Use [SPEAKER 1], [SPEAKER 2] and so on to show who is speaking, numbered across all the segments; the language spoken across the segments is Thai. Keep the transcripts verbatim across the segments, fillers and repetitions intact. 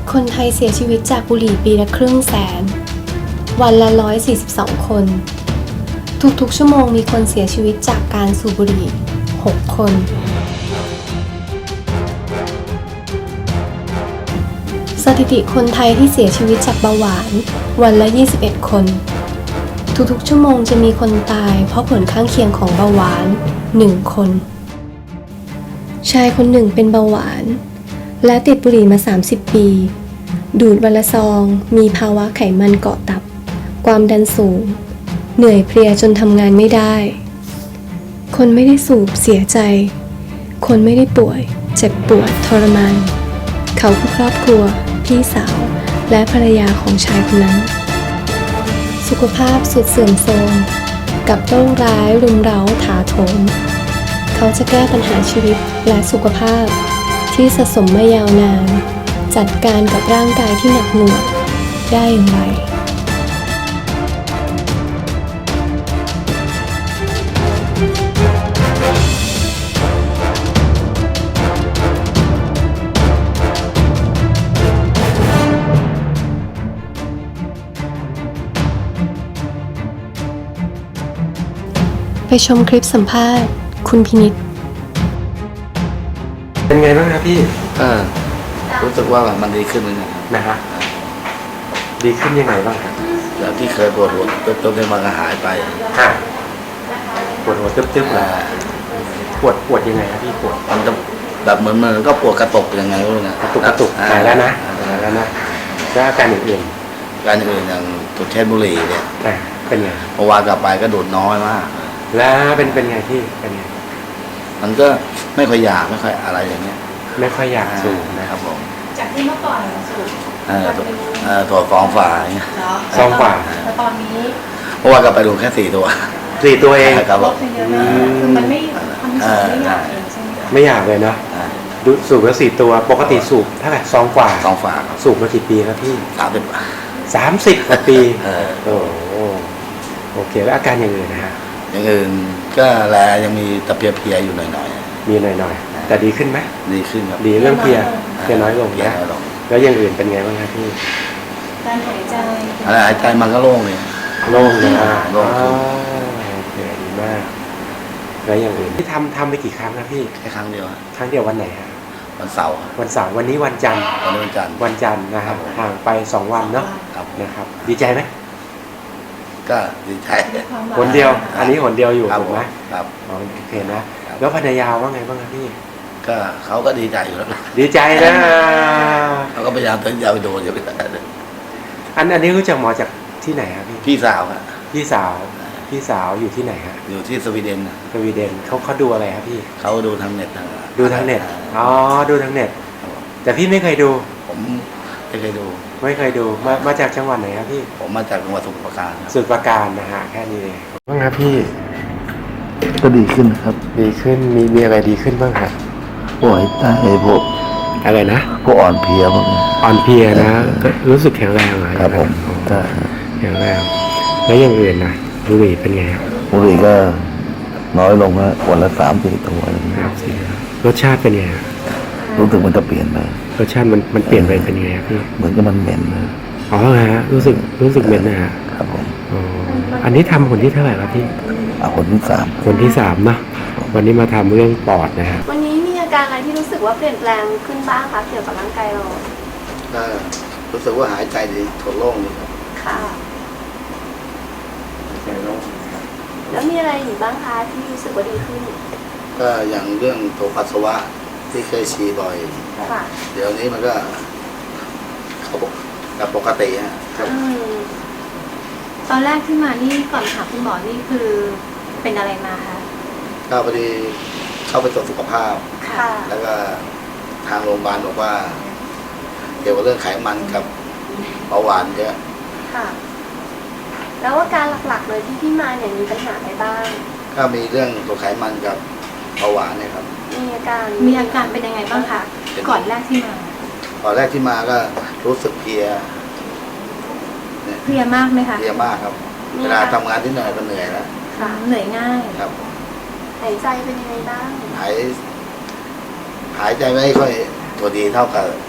[SPEAKER 1] คนไทยเสียชีวิตจากบุหรี่ปีละครึ่งแสน วันละหนึ่งร้อยสี่สิบสองคน ทุกๆชั่วโมงมีคนเสียชีวิตจากการสูบบุหรี่ หก คน สถิติคนไทยที่เสียชีวิตจากเบาหวานวันละ ยี่สิบเอ็ด คน ทุกๆชั่วโมงจะมีคนตายเพราะผลข้างเคียงของเบาหวาน หนึ่ง คน ชายคนหนึ่งเป็นเบาหวานและติดบุหรี่มา สามสิบ ปี ดูดวันละซอง มีภาวะไขมันเกาะตับ ความดันสูง เหนื่อยเพลียจนทำงานไม่ได้ คนไม่ได้สูบเสียใจ คนไม่ได้ป่วย เจ็บปวดทรมาน เขาคือครอบครัว พี่สาว และภรรยาของชายคนนั้น สุขภาพสุดเสื่อมโทรมกับโรคร้ายรุมเร้าถาโถม เขาจะแก้ปัญหาชีวิตและสุขภาพที่สะสมมายาวนาน จัดการกับร่างกายที่หนักหน่วงได้อย่างไร ไปชมคลิปสัมภาษณ์คุณพินิจ
[SPEAKER 2] เป็นไงบ้างครับพี่
[SPEAKER 3] เออรู้สึกว่ามันดีขึ้นเหมือนกันครับ
[SPEAKER 2] นะฮะดีขึ้นยังไงบ้างครับ
[SPEAKER 3] แล้วที่เคยปวดหัวจนๆมันก็หายไป
[SPEAKER 2] ฮะปวดหัวตึ๊บๆเลยปวดปวดยังไงครับพี่ปวด
[SPEAKER 3] มันจะแบบเหมือนมันก็ปวดกระตุกยังไงไม่รู้นะ
[SPEAKER 2] กระตุกกระตุกหายแล้วนะหายแล้วนะแล้วอาการอื่น
[SPEAKER 3] การอื่นอย่างตุดเช่นบุหรี่เนี่ย
[SPEAKER 2] ๆอ่ะเป็นไง
[SPEAKER 3] เมื่อวานกลับไปก็ดูดน้อยมาก
[SPEAKER 2] แล้วเป็นเป็นไงพี่เป็นไง
[SPEAKER 3] มันก็ไม่ค่อยอยากไม่ค่อยอะไรอย่างเงี้ย
[SPEAKER 2] ไม่ค่อยอยากสูบนะ
[SPEAKER 3] ค
[SPEAKER 2] ค
[SPEAKER 3] รั
[SPEAKER 2] รั
[SPEAKER 3] บบ ผม
[SPEAKER 4] จากที่เมื่อก่อนสูบ
[SPEAKER 3] เออตัวเออตัวฟองฝาอย่างเงี้ย
[SPEAKER 4] เนาะ
[SPEAKER 2] ซองกว่า
[SPEAKER 4] แต่ตอนนี้
[SPEAKER 3] เมื่อวานกลับไปดูแค่สี่ตัว
[SPEAKER 2] สี่ตัวเอง
[SPEAKER 3] ครับ
[SPEAKER 4] ล
[SPEAKER 3] ผ
[SPEAKER 4] ด
[SPEAKER 3] ม
[SPEAKER 4] ไปเยอะมากคือมันไม่มันรู้สึกไม่อยากเองใช่ไหมคะ
[SPEAKER 2] ไม่อยากเลยเนาะ
[SPEAKER 3] อ่า
[SPEAKER 2] ดูสูบแล้วสี่ตัวปกติสูบเท่าไหร่ซองกว่า
[SPEAKER 3] ฟองฝาครับ
[SPEAKER 2] สูบมากี่ปีครับพี่
[SPEAKER 3] สามสิบ
[SPEAKER 2] สามสิบกว่าปี
[SPEAKER 3] เออ
[SPEAKER 2] โอ้โหโอเคแล้วอาการอย่างอื่นนะฮะ
[SPEAKER 3] อย่างอื่นก็แลยังมีตะเพียๆอยู่หน่อย
[SPEAKER 2] มีหน่อยๆแต่ดีขึ้นไหม
[SPEAKER 3] ๆดีขึ้นครับ
[SPEAKER 2] ดีเรื่องเพลียเพลียน้อยลง
[SPEAKER 3] เพลีย
[SPEAKER 2] นะ
[SPEAKER 3] น้อยลง
[SPEAKER 2] แล้วอย่างอื่นเป็นไงบ้างครับพี่
[SPEAKER 4] การหายใจ
[SPEAKER 3] อะไรหายใจมันก็โล่งเลย
[SPEAKER 2] โล่งเลยนะ
[SPEAKER 3] โล่งขึ้น
[SPEAKER 2] อ่าโอเคดีมาก แล้วอย่างอื่นที่ทำทำไปกี่ครั้งครับพี่
[SPEAKER 3] แค่ครั้งเดียวฮะ
[SPEAKER 2] ครั้งเดียววันไหนฮะ
[SPEAKER 3] วันเสาร์
[SPEAKER 2] วันเสาร์วันนี้วันจันทร์
[SPEAKER 3] วันนี้วันจันทร์
[SPEAKER 2] วันจันทร์นะครับห่างไปสองวันเนาะ
[SPEAKER 3] ครับ
[SPEAKER 2] นะครับ ดีใจไหม
[SPEAKER 3] ก็ดีใจ
[SPEAKER 2] หนเดียว อันนี้หนเดียวอยู่
[SPEAKER 3] ครับ
[SPEAKER 2] ถูกไหม
[SPEAKER 3] ครับ
[SPEAKER 2] อ๋อโอเคนะ แล้วภรรยาว่าไงบ้างครับพี่
[SPEAKER 3] ก็เขาก็ดีใจอยู่แล้วนะ
[SPEAKER 2] ดีใจนะ
[SPEAKER 3] เขาก็พยายามจะเอาไปโดนอยู่
[SPEAKER 2] อันอันนี้รู้จักหมอจากที่ไหนครับพี่
[SPEAKER 3] พี่สาวอะ
[SPEAKER 2] พี่สาว พี่สาวอยู่ที่ไหนฮะ
[SPEAKER 3] อยู่ที่สวีเดนน่ะ
[SPEAKER 2] สวีเดนเขาเขาดูอะไรครับพี่
[SPEAKER 3] เขาดูทางเน็ตทาง
[SPEAKER 2] ดูทางเน็ต อ๋อ ดูทางเน็ต
[SPEAKER 3] ครับผม
[SPEAKER 2] แต่พี่ไม่เคยดู
[SPEAKER 3] ผมไม่เคยดู
[SPEAKER 2] ไม่เคยดู มา มาจากจังหวัดไหนครับพี่
[SPEAKER 3] ผมมาจากจังหวัดสมุทรปราการครับ
[SPEAKER 2] สุดประการนะฮะ แค่นี้เองบ้างครับพี่
[SPEAKER 5] ก็ดีขึ้นครับ
[SPEAKER 2] ดีขึ้น มีมีอะไรดีขึ้นบ้างครับ
[SPEAKER 5] พวกหายใจพวก
[SPEAKER 2] อะไรนะ
[SPEAKER 5] พวกอ่อนเพลียพวกนี้
[SPEAKER 2] อ่อนเพลียนะก็รู้สึกแข็งแรงเหรอ
[SPEAKER 5] ครับผม
[SPEAKER 2] อ๋อ
[SPEAKER 5] ใช่
[SPEAKER 2] แข็งแรง แล้วอย่างอื่นนะบุหรี่เป็นไงครับ
[SPEAKER 5] บุหรี่ก็น้อยลงแล้ววันละสามสี่ตัวอะไรอย่างเงี้ย
[SPEAKER 2] ครับสิรสชาติเป็นไงครับ
[SPEAKER 5] รู้สึกมันจะเปลี่ยนไป
[SPEAKER 2] รสชาติมันมันเปลี่ยนไปเป็นไงครับพี่
[SPEAKER 5] เหมือนกับมันเหม็นนะ
[SPEAKER 2] อ๋อฮะ รู้สึก รู้สึกเหม็นนะฮะ
[SPEAKER 5] ครับผม
[SPEAKER 2] อ๋อ อันนี้ทำคนที่เท่าไหร่ครับพี่
[SPEAKER 5] เอาคนที่สาม
[SPEAKER 2] คนที่สามเนอะวันนี้มาทำเรื่องปอดนะฮะ
[SPEAKER 1] วันนี้มีอาการอะไรที่รู้สึกว่าเปลี่ยนแปลงขึ้นบ้างคะเกี่ยวกับร่างกายเรา
[SPEAKER 3] ก็รู้สึกว่าหายใจดีถดโล่งดีครับ
[SPEAKER 1] ค่ะ แล้วมีอะไรอีกบ้างคะที่รู้สึกว่าดีขึ้น
[SPEAKER 3] ก็อย่างเรื่องตัวปัสสาวะที่เคยฉี่บ่อย
[SPEAKER 1] ค่ะ
[SPEAKER 3] เดี๋ยวนี้มันก็เขาบอกกับปกติฮะครับ
[SPEAKER 4] อืมตอนแรกที่มานี่ก่อนหาคุณหมอนี่คือเป็นอะไรมาคะ
[SPEAKER 3] ก็พอดีเข้าไปตรวจสุขภาพ
[SPEAKER 1] ค่ะ
[SPEAKER 3] แล้วก็ทางโรงพยาบาลบอกว่า เกี่ยวกับเรื่องไขมันกับเบาหวานเยอะ
[SPEAKER 1] ค่ะ แล้วอาการหลักๆเลยที่พี่มาเนี่ยมีปัญหาอะไรบ้าง
[SPEAKER 3] ก็มีเรื่องตัวไขมันกับเบาหวานเนี่ยครับ
[SPEAKER 1] มีอาการ
[SPEAKER 4] มีอาการเป็นยังไงบ้างคะก่อนแรกที่มา
[SPEAKER 3] ตอนแรกที่มาก็รู้สึกเพลีย
[SPEAKER 4] เพลียมากไหมคะ
[SPEAKER 3] เพลียมากครับ เวลาทำงานที่เหนื่อยก็เหนื่อยแล้ว
[SPEAKER 4] ค่ะเหนื่อยง่าย
[SPEAKER 3] ครับ
[SPEAKER 1] หายใจเป็นยังไงบ้าง
[SPEAKER 3] หาย หายใจไม่ค่อยตัวดีเท่ากับ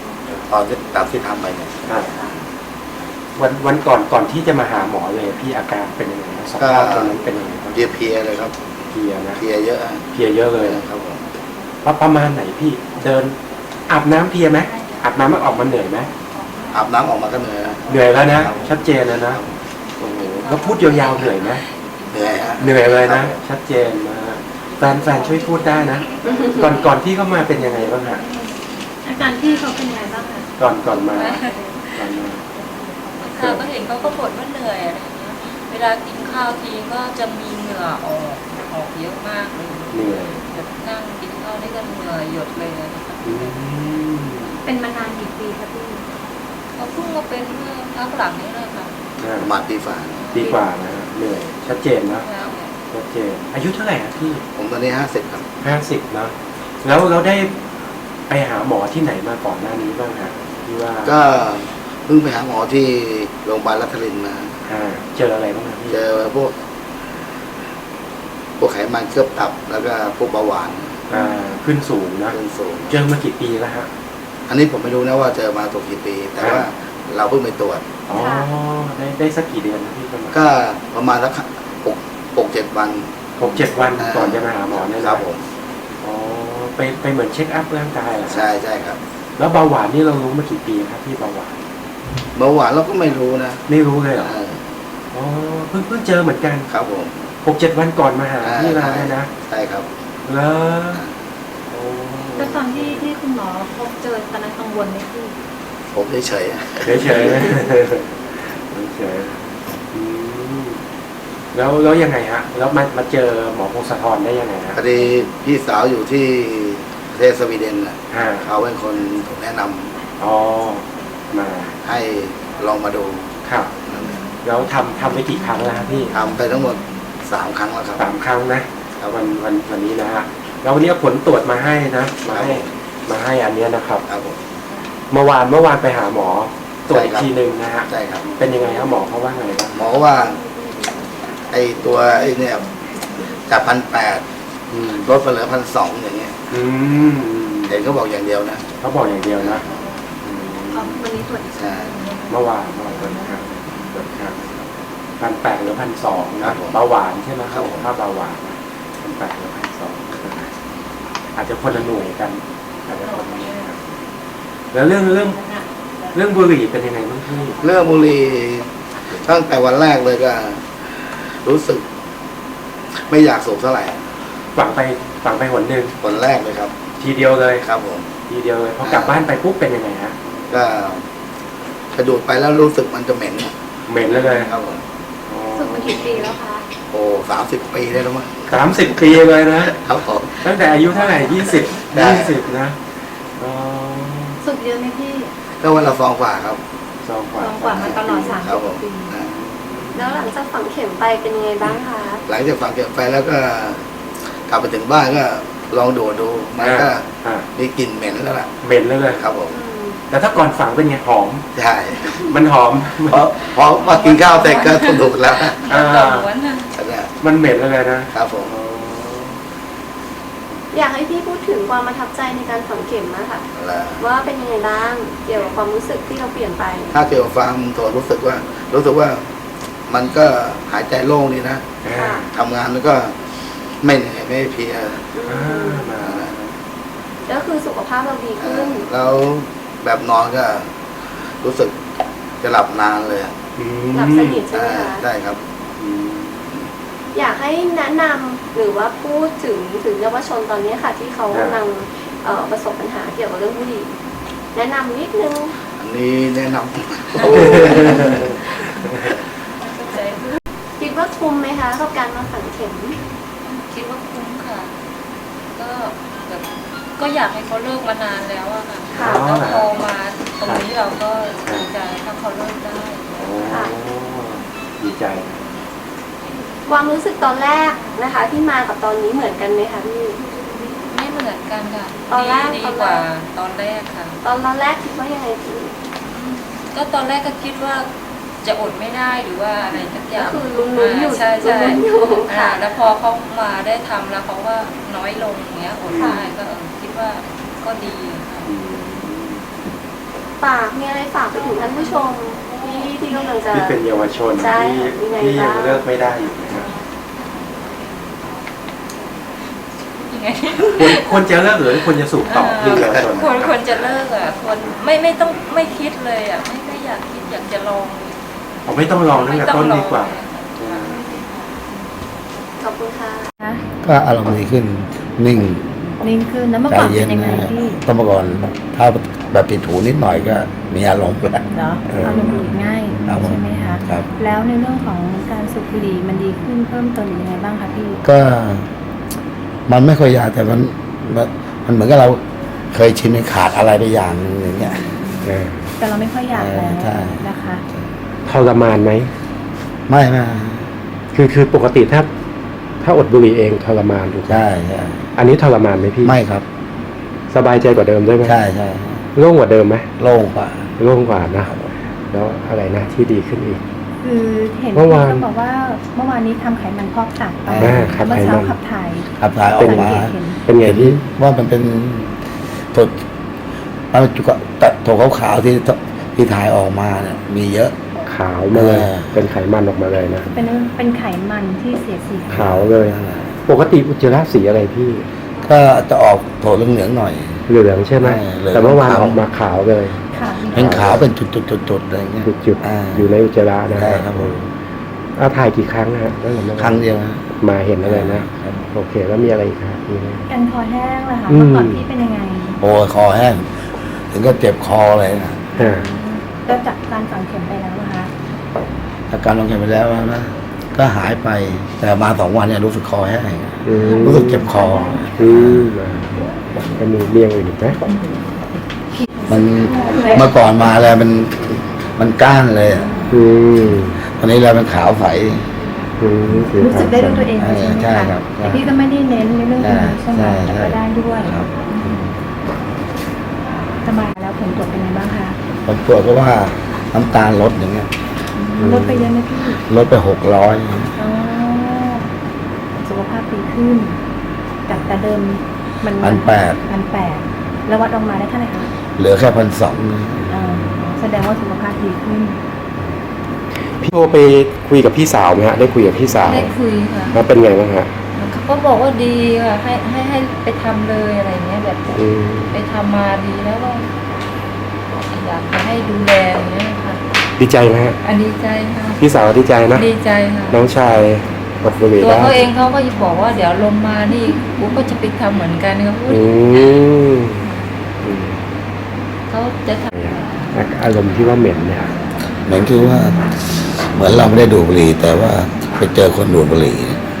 [SPEAKER 3] ตอนที่ตามที่ทำไปเนี่ย
[SPEAKER 2] อ่าวันวันก่อนก่อนที่จะมาหาหมอเลยพี่อาการเป็นยังไงครับสภาพตอนนั้นเป็นยังไงบ้าง
[SPEAKER 3] เพลียๆเลยครับ
[SPEAKER 2] เพลียนะ
[SPEAKER 3] เพลียเยอะอะ
[SPEAKER 2] เพลียเยอะเลย
[SPEAKER 3] ครับผม
[SPEAKER 2] ว่าประมาณไหนพี่เดินอาบน้ำเพลียไหมอาบน้ำมันออกมาเหนื่อยไหม
[SPEAKER 3] อาบน้ำออกมาก็เหนื่อยนะ
[SPEAKER 2] เหนื่อยแล้วนะชัดเจนแล้วนะโอ้โหแล้วพูดยาวๆเหนื่อยไหม
[SPEAKER 3] เหนื่อยฮะ
[SPEAKER 2] เหนื่อยเลยนะชัดเจนนะแฟนแฟนช่วยพูดได้นะ ก่อนก่อนที่เข้ามาเป็นยังไงบ้างฮะ
[SPEAKER 4] อาการพี่เขาเป็นยังไงบ้างคะ
[SPEAKER 2] ก่อนก่อนมาก่อนมา
[SPEAKER 6] ค่ะก็เห็นเขาก็บ่นว่าเหนื่อยอะไรอย่างเงี้ย เวลากินข้าวทีก็จะมีเหงื่อออกออกเยอะมากเลย
[SPEAKER 2] เหนื่อย
[SPEAKER 6] แบบนั่งกินข้าวนี่ก็เหงื่อหยดเลยนะคะ
[SPEAKER 2] อืม
[SPEAKER 4] เป็นมานานกี่ปีคะพี่
[SPEAKER 6] เขาเพิ่งมาเป็นเมื่อพักหลังนี้เลยค่ะ
[SPEAKER 2] อ่า
[SPEAKER 3] ประมาณปีฝ่า
[SPEAKER 2] ดีกว่านะเหนื่อยชัดเจนนะ
[SPEAKER 6] แล้วเนี่ย
[SPEAKER 2] ชัดเจนอายุเท่าไหร่ครับพี่
[SPEAKER 3] ผมตอนนี้ห้าสิบครับ
[SPEAKER 2] ห้าสิบนะแล้วเราได้ไปหาหมอที่ไหนมาก่อนหน้านี้บ้างฮะที่ว่า
[SPEAKER 3] ก็เพิ่งไปหาหมอที่โรงพยาบาลรัตนรินทร์มา
[SPEAKER 2] อ่าเจออะไรบ้างครับพี่
[SPEAKER 3] เจอพวก พวกไขมันเคลือบตับแล้วก็พวกเบาหวาน
[SPEAKER 2] อ่าขึ้นสูงนะ
[SPEAKER 3] เรื่องสูง
[SPEAKER 2] เจอมากี่ปีแล้วฮะ
[SPEAKER 3] อันนี้ผมไม่รู้นะว่าเจอมาตัวกี่ปี แต่ว่าเราเพิ่งไปตรวจ
[SPEAKER 2] อ๋อได้ได้สักกี่เดือนนะพี่ประมาณ
[SPEAKER 3] ก็ประมาณสักหกหกเจ็ดวัน
[SPEAKER 2] หกเจ็ดวัน
[SPEAKER 3] อ่า
[SPEAKER 2] ก่อนจะมาหาหมอเนี่ยนะครับ
[SPEAKER 3] ผม
[SPEAKER 2] อ๋อไปไปเหมือนเช็คอัพร่างกายเหรอฮะ
[SPEAKER 3] ใช่ใช่ครับ
[SPEAKER 2] แล้วเบาหวานนี่เรารู้มากี่ปีครับพี่เบาหวาน
[SPEAKER 3] เบาหวานเราก็ไม่รู้นะ
[SPEAKER 2] ไม่รู้เลยเหรอ
[SPEAKER 3] เออ
[SPEAKER 2] อ๋อเพิ่งเพิ่งเจอเหมือนกัน
[SPEAKER 3] ครับผม
[SPEAKER 2] หกเจ็ดวันก่อนมาหาที่เราเนี่ยนะ
[SPEAKER 3] ใช่ครับ
[SPEAKER 2] แล้วโอ้
[SPEAKER 4] แล้วตอนที่ที่คุณหมอพบเจอตอนนั้นกังวลไหมพี่
[SPEAKER 3] ผมเฉย
[SPEAKER 2] เฉยเฉยเฉยเฉยๆอืมแล้วแล้วยังไงฮะ แล้วมามาเจอหมอพงศธรได้ยังไง
[SPEAKER 3] ๆ
[SPEAKER 2] ฮะ
[SPEAKER 3] พอดีพี่สาวอยู่ที่ประเทศสวีเดนน่ะ
[SPEAKER 2] อ่า
[SPEAKER 3] เขาเป็นคนถูกแนะนำ
[SPEAKER 2] อ๋อมา
[SPEAKER 3] ให้ลองมาดู
[SPEAKER 2] ครับแล้วทำทำไปกี่ครั้งแล้วครับพี่
[SPEAKER 3] ทำไปทั้งหมดสามครั้งแล้วครับ
[SPEAKER 2] สามครั้งนะวันวันวันนี้นะฮะแล้ววันนี้เอาผลตรวจมาให้นะมาให้มาให้อันเนี้ยนะครับ
[SPEAKER 3] ครับผม
[SPEAKER 2] เมื่อวานเมื่อวานไปหาหมอตรวจอีก
[SPEAKER 3] ใช่ครับ
[SPEAKER 2] ทีหนึ่งนะฮะ
[SPEAKER 3] ใช่ครับ
[SPEAKER 2] เป็นยังไงครับหมอเขาว่าไงบ้าง
[SPEAKER 3] หมอว่า ไอตัวไอเนี่ยจากพันแปด
[SPEAKER 2] อืม
[SPEAKER 3] ลดไปเหลือพันสองอย่างเงี้ย
[SPEAKER 2] อืม
[SPEAKER 3] เห็นเขาบอกอย่างเดียวนะ
[SPEAKER 2] เขาบอกอย่างเดียวนะอืม
[SPEAKER 4] อ๋อวันนี้ตรวจอีก
[SPEAKER 3] ใช่
[SPEAKER 2] เมื่อวานเมื่อวานตรวจครับตรวจครับพันแปดหรือพันสอง
[SPEAKER 3] ครั
[SPEAKER 2] นะ
[SPEAKER 3] บผม
[SPEAKER 2] เบาหวานใช่ไหม
[SPEAKER 3] ครับผม
[SPEAKER 2] ถ้าเบาหวานพันแปดหรือพันสองอาจจะคนละหน่วยกันอาจจะคนละหน่วยกันแล้วเรื่องเรื่องเรื่องบุหรี่เป็นยังไงบ้างพี่
[SPEAKER 3] เรื่องบุหรี่ตั้งแต่วันแรกเลยก็ รู้สึก ไม่อยากสูบเท่าไหร่
[SPEAKER 2] ฝังไปฝังไปหนหนึ่ง
[SPEAKER 3] วันแรกเลยครับ
[SPEAKER 2] ทีเดียวเลย
[SPEAKER 3] ครับผม
[SPEAKER 2] ทีเดียวเลยพอกลับบ้านไปปุ๊บเป็นยังไงฮะ
[SPEAKER 3] ก็กระดูดไปแล้วรู้สึกมันจะเหม็น
[SPEAKER 2] เหม็นเลยเลย
[SPEAKER 3] ครับผม
[SPEAKER 4] ฝึกมากี่ปีแล้วคะ
[SPEAKER 3] โอ้สามสิบปีได้แล้วมั้ง
[SPEAKER 2] สามสิบปีเลยนะครับ
[SPEAKER 3] ผม
[SPEAKER 2] ตั้งแต่อายุเท่าไหร่ยี่สิบ
[SPEAKER 3] ได้
[SPEAKER 2] ยี่สิบนะอ๋อ
[SPEAKER 4] ฝึกเยอะไหมพี่
[SPEAKER 3] ก็วันละฟองฝ่าครับ
[SPEAKER 2] สองกว่า
[SPEAKER 4] ลองกว่ามาตลอดสาม
[SPEAKER 3] ครั
[SPEAKER 4] สิ
[SPEAKER 3] บบ ผม
[SPEAKER 4] ปี
[SPEAKER 3] อ่า
[SPEAKER 1] แล้วหลังจากฝังเข็มไปเป็นยังไงบ้างคะ
[SPEAKER 3] หลังจากฝังเก็บไปแล้วก็ กลับไปถึงบ้านก็ลองดูดดู มันก็
[SPEAKER 2] อ่า
[SPEAKER 3] มีกลิ่นเหม็นแล้วล่ะ
[SPEAKER 2] เหม็นเลยเลย
[SPEAKER 3] ครับผม
[SPEAKER 2] แต่ถ้าก่อนฝังเป็นไงหอม
[SPEAKER 3] ใช่
[SPEAKER 2] มันหอม
[SPEAKER 3] เพราะเพราะมากินข้าวเสร็จก็ต้องดูดแล้ว
[SPEAKER 2] อ่า
[SPEAKER 6] ต่อม้วนนะ
[SPEAKER 3] เนี่ย
[SPEAKER 2] มันเหม็นเลยนะครับ
[SPEAKER 3] ผม
[SPEAKER 2] อ๋อ
[SPEAKER 1] อยากให้พี่พูดถึงความประทับใจในการฝังเข็มนะคะ
[SPEAKER 3] แล้ว
[SPEAKER 1] ว่าเป็นยังไงบ้าง เกี่ยวกับความรู้สึกที่เราเปลี่ยนไป
[SPEAKER 3] ถ้าเกี่ยวกับฟังตัวรู้สึกว่า รู้สึกว่า มันก็หายใจโล่งดีนะ
[SPEAKER 2] อ่า
[SPEAKER 3] ทำงานแล้วก็ไม่เหนื่อยไม่เพลีย
[SPEAKER 2] อ่ามา
[SPEAKER 1] ก็คือสุขภาพเราดีขึ้น
[SPEAKER 3] แล้วแบบนอนก็รู้สึกจะหลับนานเลย
[SPEAKER 2] อืม
[SPEAKER 1] หลับสนิทใช่ไหม
[SPEAKER 3] อ่า
[SPEAKER 1] คะ
[SPEAKER 3] ได้ครับ
[SPEAKER 2] อืม
[SPEAKER 1] อยากให้แนะนำหรือว่าพูดถึงถึงเยาวชนตอนนี้ค่ะ ที่เขากำลังเอ่อประสบปัญหาเกี่ยวกับเรื่องบุหรี่แนะนำนิดนึง
[SPEAKER 3] อันนี้แนะน
[SPEAKER 6] เข้าใจ
[SPEAKER 1] คิดว่าคุ้มไหมคะกับการมาฝังเข็ม
[SPEAKER 6] คิดว่าคุ้มค่ะ ก็แบบก็อยากให้เขาเลิกมานานแล้วอะค่ะ
[SPEAKER 1] ค่ะ
[SPEAKER 6] แล้วพอมาตรงนี้เราก็ดีใจถ้าเขาเลิกได้
[SPEAKER 2] โอ้ดีใจนะ
[SPEAKER 1] ความรู้สึกตอนแรกนะคะ ที่มากับตอนนี้เหมือนกันไหมคะพี่
[SPEAKER 6] ไม่เหมือนกันค่ะ
[SPEAKER 1] ตอนแรก
[SPEAKER 6] ดี
[SPEAKER 1] ตอนแรก
[SPEAKER 6] กว่าตอนแรกค่ะ
[SPEAKER 1] ตอนตอนแรกคิดว่ายังไงพี่
[SPEAKER 6] ก็ตอนแรกก็คิดว่าจะอดไม่ได้หรือว่าอะไรสักอย่าง
[SPEAKER 1] ก็คือลุ้นๆอยู่
[SPEAKER 6] าใช่ใช่
[SPEAKER 1] ลุ้นๆอยู่
[SPEAKER 6] อ่า
[SPEAKER 1] ค่ะ
[SPEAKER 6] แล้วพอเขามาได้ทำแล้วเขาว่าน้อยลงอย่างเงี้ยอดได้ก็เออคิดว่าก็ดีค่ะ
[SPEAKER 2] อืม
[SPEAKER 4] ฝากมีอะไรฝากไปถึงท่านผู้ชมที่ที่กำลังจะ
[SPEAKER 2] ที่เป็นเยาวชน
[SPEAKER 4] ใช่
[SPEAKER 2] ที่
[SPEAKER 4] มีไง
[SPEAKER 2] ที่ยัง
[SPEAKER 4] บ้าง
[SPEAKER 2] เลิกไม่ได้อยู่นะครับ
[SPEAKER 6] ยังไง
[SPEAKER 2] ควรควรจะเลิกหรือควรจะสูบต่อที่เยาวชน
[SPEAKER 6] ควรควรจะเลิกอ่ะควรไม่ไม่ต้องไม่คิดเลยอ่ะไม่ไม่อยากคิดอยากจะลอง
[SPEAKER 2] ผมไม่ต้องลองตั้งแต่ต้นดีกว่า
[SPEAKER 4] ขอบคุณค่ะ
[SPEAKER 3] ก็อารมณ์ดีขึ้นนิ่ง
[SPEAKER 1] นิ่งขึ้นแล้วเมื่อ
[SPEAKER 3] ใจ
[SPEAKER 1] ก่อน
[SPEAKER 3] เย็
[SPEAKER 1] เป็น นยังไง
[SPEAKER 3] นะ
[SPEAKER 1] พี่
[SPEAKER 3] ต้องมาก่อนถ้าแบบปิดหูนิดหน่อยก็มีอารมณ์แล้ว
[SPEAKER 1] เหรอ
[SPEAKER 3] เออ
[SPEAKER 1] อารมณ์หงุดหงิดง่าย
[SPEAKER 3] ครับผม
[SPEAKER 1] ใช่ไหมคะ
[SPEAKER 3] ครับ
[SPEAKER 1] แล้วในเรื่องของการสูบบุหรี่มันดีขึ้นเพิ่มเติมยังไงบ้างคะพี่
[SPEAKER 3] ก็มันไม่ค่อยยากแต่มันมันมันเหมือนกับเราเคยชินในขาดอะไรไปอย่างหนึงอย่างเงี้ยเออ
[SPEAKER 1] แต่เราไม่ค่อยอยากแล้ว
[SPEAKER 3] เออใช่
[SPEAKER 1] นะคะ
[SPEAKER 7] ทรมานไหม
[SPEAKER 3] ไม่ไม่
[SPEAKER 7] คือคือปกติถ้าถ้าอดบุหรี่เองทรมานถูกไหม
[SPEAKER 3] ใช่ใช่
[SPEAKER 7] อันนี้ทรมานไหมพี่
[SPEAKER 3] ไม่ครับ
[SPEAKER 7] สบายใจกว่าเดิมด้วยไหม
[SPEAKER 3] ใช่ใช่
[SPEAKER 7] โล่งกว่าเดิมไหม
[SPEAKER 3] โล่งกว่า
[SPEAKER 7] โล่งกว่านะแล้วอะไรนะที่ดีขึ้นอีก
[SPEAKER 1] คือเห็น
[SPEAKER 7] เมื่
[SPEAKER 1] พี่
[SPEAKER 7] อวาน
[SPEAKER 1] ก็บอกว่าเมื่อวานนี้ทำไขัมันพอกตับไป
[SPEAKER 7] อ่าขับ
[SPEAKER 1] เมื่อ
[SPEAKER 7] ไขมัน
[SPEAKER 1] เช้าขับถ่าย
[SPEAKER 3] ขับถ่ายออ
[SPEAKER 7] เป็
[SPEAKER 3] ก
[SPEAKER 7] น
[SPEAKER 3] มา
[SPEAKER 1] สังเกตเห็น
[SPEAKER 7] เป็นไง
[SPEAKER 3] เห็น
[SPEAKER 7] พี่
[SPEAKER 3] ว่ามันเป็นตัวมันเป็นจุกตัดตัวขาวๆที่ที่ถ่ายออกมาเนี่ยมีเยอะ
[SPEAKER 7] ขาวมาเลย
[SPEAKER 3] เออ
[SPEAKER 7] เป็นไขมันออกมาเลยนะ
[SPEAKER 1] เป็นเป็นไขมันที่เสียสี
[SPEAKER 7] ขาวเลย ปกติอุจจาระสีอะไรพี่
[SPEAKER 3] ก็จะออกโถเหลืองๆหน่อย
[SPEAKER 7] เหลืองใช่ไหม
[SPEAKER 3] เออเหลือง
[SPEAKER 7] แต่เมื่อวาน
[SPEAKER 3] ขาว
[SPEAKER 7] ออกมาขาวเลย
[SPEAKER 1] ค่ะ
[SPEAKER 3] เป็นขาวเป็นจุดๆๆๆอะไรเงี้ย
[SPEAKER 7] จุด
[SPEAKER 3] อ่า
[SPEAKER 7] ๆอยู่ในอุจจาระนะ
[SPEAKER 3] ใช่ครับผม
[SPEAKER 7] เอาถ่ายกี่ครั้งฮะตั้งแต่เมื่อวาน
[SPEAKER 3] ครั้งเดียวนะ
[SPEAKER 7] มาเห็นอะไรนะ
[SPEAKER 3] ครับ
[SPEAKER 7] โอเคแล้วมีอะไรอีกครับมีไหม
[SPEAKER 1] กันคอแห้งเลยค่ะ
[SPEAKER 7] อืม
[SPEAKER 1] เมื่อก่อนพี่เป็นยังไง
[SPEAKER 3] โอ้ยคอแห้ง ถึงก็เจ็บคอเลยนะ
[SPEAKER 7] อ่า
[SPEAKER 1] แล้วจากการฝังเข็มไปแล้วนะคะ
[SPEAKER 3] อาการลงแขนไปแล้วนะก็หายไปแต่มาสองวันเนี่ยรู้สึกคอแห้ง
[SPEAKER 7] อืม
[SPEAKER 3] รู้สึกเจ็บคอ
[SPEAKER 7] อืมก็มีเลี่ยงอื่นอีกไหม
[SPEAKER 3] มันเมื่อก่อนมาแล้วมันมันก้านเลยอะ
[SPEAKER 7] อืม
[SPEAKER 3] ตอนนี้แล้วมันขาวใส
[SPEAKER 7] อืม
[SPEAKER 1] รู้สึกได้ด้วยตัวเองเลยใช่ไหม
[SPEAKER 3] ใช่
[SPEAKER 1] คะ
[SPEAKER 3] ครับ
[SPEAKER 1] แต่พี่ก็ไม่ได้เน้นในเรื่องตรงนี้ใช่ไหม
[SPEAKER 3] ใช่
[SPEAKER 1] แต่
[SPEAKER 3] ใช่
[SPEAKER 1] ก็ได้ด้วย
[SPEAKER 3] ครับ
[SPEAKER 1] สบายแล้วผลตรวจเป็นไงบ้างคะ
[SPEAKER 3] ผลตรวจก็ว่าน้ำตาลลดอย่างเงี้ย
[SPEAKER 1] ลดไปเยอะไหมพี่
[SPEAKER 3] ลดไปหกร้อย
[SPEAKER 1] อ๋อสุขภาพดีขึ้นจากแต่เดิมมัน
[SPEAKER 3] พันแปด
[SPEAKER 1] พันแปดแล้ววัดออกมาได้เท่าไหร่คะ
[SPEAKER 3] เหลือแค่พันสอง
[SPEAKER 1] อ่าแสดงว่าสุขภาพดีขึ้น
[SPEAKER 7] พี่โทรไปคุยกับพี่สาวไหมฮะได้คุยกับพี่สาว
[SPEAKER 6] ได้คุยค่ะ
[SPEAKER 7] แล้วเป็นไงบ้างฮะ
[SPEAKER 6] เขาก็บอกว่าดีค่ะให้ให้ให้ไปทำเลยอะไรเงี้ยแบบ
[SPEAKER 7] อืม
[SPEAKER 6] ไปทำมาดีแล้วก็อยากจะให้ดูแลอย่างเงี้ยค่ะ
[SPEAKER 7] ดีใจไหมฮะ
[SPEAKER 6] อันดีใจค่ะ
[SPEAKER 7] พี่สาวดีใจนะ
[SPEAKER 6] ดีใจค่ะ
[SPEAKER 7] น้องชายอดบุหรี่
[SPEAKER 6] ตัว
[SPEAKER 7] ได้
[SPEAKER 6] เขาเองเขาก็บอกว่าเดี๋ยวลงมานี่กูก็จะไปทำเหมือนกันเขาพูด
[SPEAKER 7] อืมอืม
[SPEAKER 6] เขาจะท
[SPEAKER 7] อารมณ์ที่ว่าเหม็นเนี่ย
[SPEAKER 3] เหมือนคือว่า เหมือนเราไม่ได้ดูดบุหรี่แต่ว่าไปเจอคนดูดบุหรี่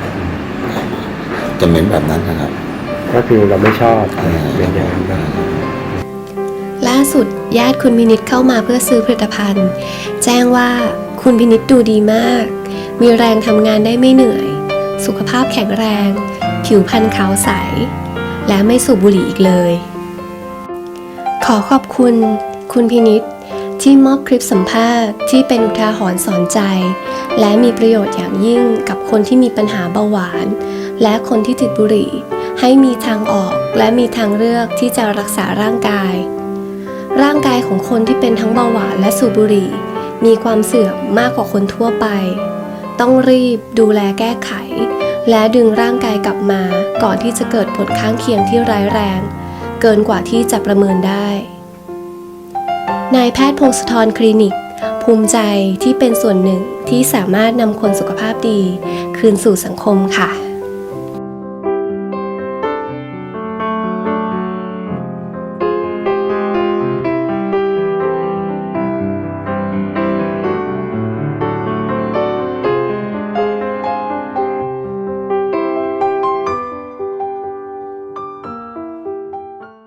[SPEAKER 3] จะเหม็นแบบนั้นนะครับ
[SPEAKER 7] ก็คือเราไม่ชอบ
[SPEAKER 3] อ่า
[SPEAKER 7] เป็นอย่างนั้นนะ
[SPEAKER 1] ล่าสุดญาติคุณพินิจเข้ามาเพื่อซื้อผลิตภัณฑ์ แจ้งว่าคุณพินิจดูดีมาก มีแรงทำงานได้ไม่เหนื่อย สุขภาพแข็งแรง ผิวพรรณขาวใส และไม่สูบบุหรี่อีกเลย ขอขอบคุณ คุณพินิจที่มอบคลิปสัมภาษณ์ที่เป็นอุทาหรณ์สอนใจ และมีประโยชน์อย่างยิ่งกับคนที่มีปัญหาเบาหวาน และคนที่ติดบุหรี่ ให้มีทางออกและมีทางเลือกที่จะรักษาร่างกาย ร่างกายของคนที่เป็นทั้งเบาหวานและสูบบุหรี่ มีความเสื่อมมากกว่าคนทั่วไป ต้องรีบดูแลแก้ไข และดึงร่างกายกลับมาก่อนที่จะเกิดผลข้างเคียงที่ร้ายแรง เกินกว่าที่จะประเมินได้ นายแพทย์พงศธรคลินิก ภูมิใจที่เป็นส่วนหนึ่งที่สามารถนำคนสุขภาพดี คืนสู่สังคมค่ะ